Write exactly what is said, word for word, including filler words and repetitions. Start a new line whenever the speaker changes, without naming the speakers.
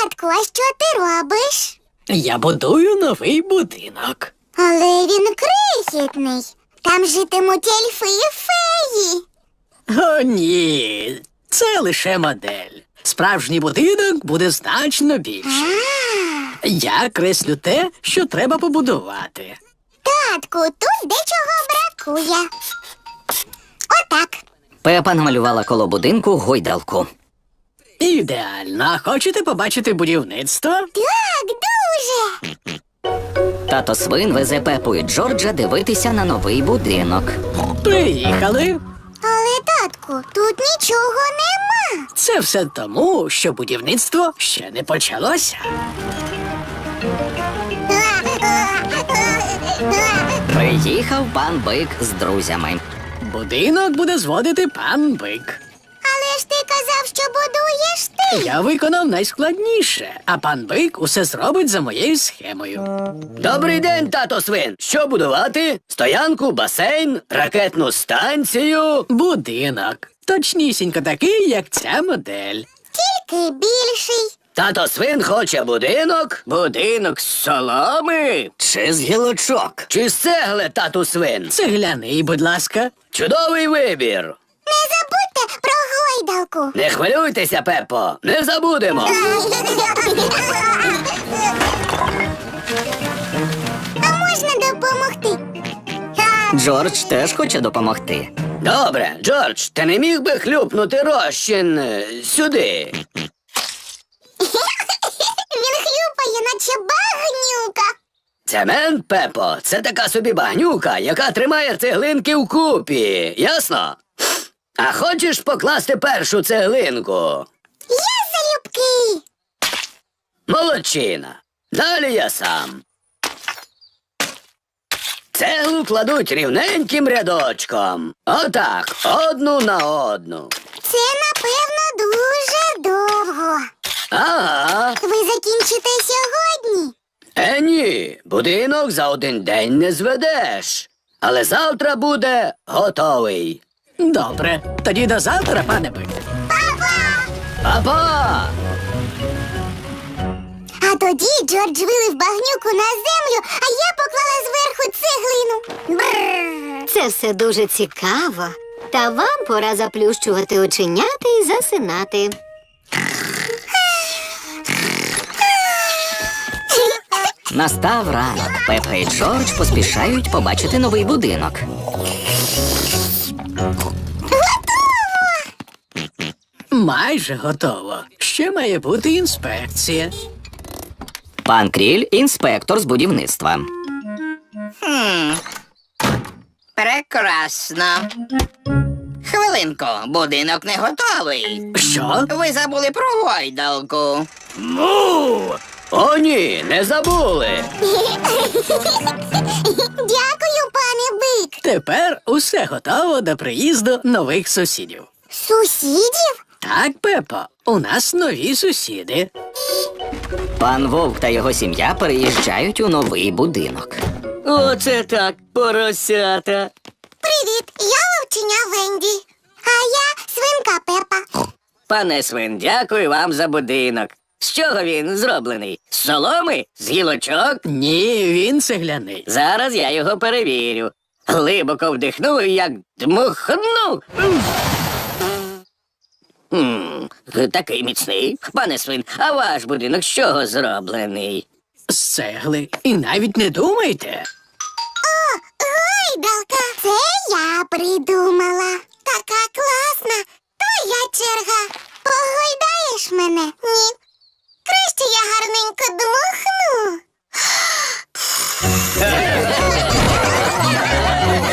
Татку, а що ти робиш?
Я будую новий будинок.
Але він крихітний. Там житимуть ельфи і феї.
О, ні, це лише модель. Справжній будинок буде значно більший. Я креслю те, що треба побудувати.
Татку, тут дечого бракує. Отак.
Пепа намалювала коло будинку гойдалку.
Ідеально. А хочете побачити будівництво?
Так, дуже.
Тато Свин везе Пепу і Джорджа дивитися на новий будинок.
Приїхали.
Але, татку, тут нічого нема.
Це все тому, що будівництво ще не почалося.
Приїхав пан Бик з друзями.
Будинок буде зводити пан Бик.
Але ж ти казав, що будуєш ти.
Я виконав найскладніше, а пан Бик усе зробить за моєю схемою.
Добрий день, тато Свин. Що будувати? Стоянку, басейн, ракетну станцію.
Будинок. Точнісінько такий, як ця модель.
Тільки більший.
Тато Свин хоче будинок. Будинок з соломи.
Чи з гілочок?
Чи з цегли, тату Свин?
Цегляний, будь ласка.
Чудовий вибір.
Не забудьте про гойдалку.
Не хвилюйтеся, Пеппо, не забудемо.
А можна допомогти?
Джордж теж хоче допомогти.
Добре, Джордж, ти не міг би хлюпнути розчин е, сюди?
Він хлюпає, наче багнюка.
Цемент, Пеппо, це така собі багнюка, яка тримає цеглинки вкупі. Ясно? А хочеш покласти першу цеглинку?
Я залюбки.
Молодчина. Далі я сам. Цеглу кладуть рівненьким рядочком. Отак, одну на одну.
Це, напевно, дуже довго.
Ага.
Ви закінчите сьогодні?
Е, ні, будинок за один день не зведеш. Але завтра буде готовий.
Добре. Тоді до завтра, пане Бик.
Папа!
А тоді Джордж вилив багнюку на землю, а я поклала зверху цеглину. Бррр.
Це все дуже цікаво. Та вам пора заплющувати оченята і засинати.
Настав ранок. Пепа і Джордж поспішають побачити новий будинок.
Майже готово. Ще має бути інспекція.
Пан Кріль – інспектор з будівництва.
Прекрасно. Хвилинку, будинок не готовий.
Що?
Ви забули про гойдалку.
Му! О, ні, не забули.
Дякую, пане Бик.
Тепер усе готово до приїзду нових сусідів.
Сусідів?
Так, Пепо, у нас нові сусіди.
Пан Вовк та його сім'я переїжджають у новий будинок.
Оце так, поросята.
Привіт, я вовченя Венді. А я свинка Пепа.
Пане Свин, дякую вам за будинок. З чого він зроблений? З соломи? З гілочок?
Ні, він цегляний.
Зараз я його перевірю. Глибоко вдихнув і як дмухнув. М, Такий міцний. Пане Свин, а ваш будинок з чого зроблений?
З цегли. І навіть не думайте.
Гойдалка. Це я придумала. Така класна.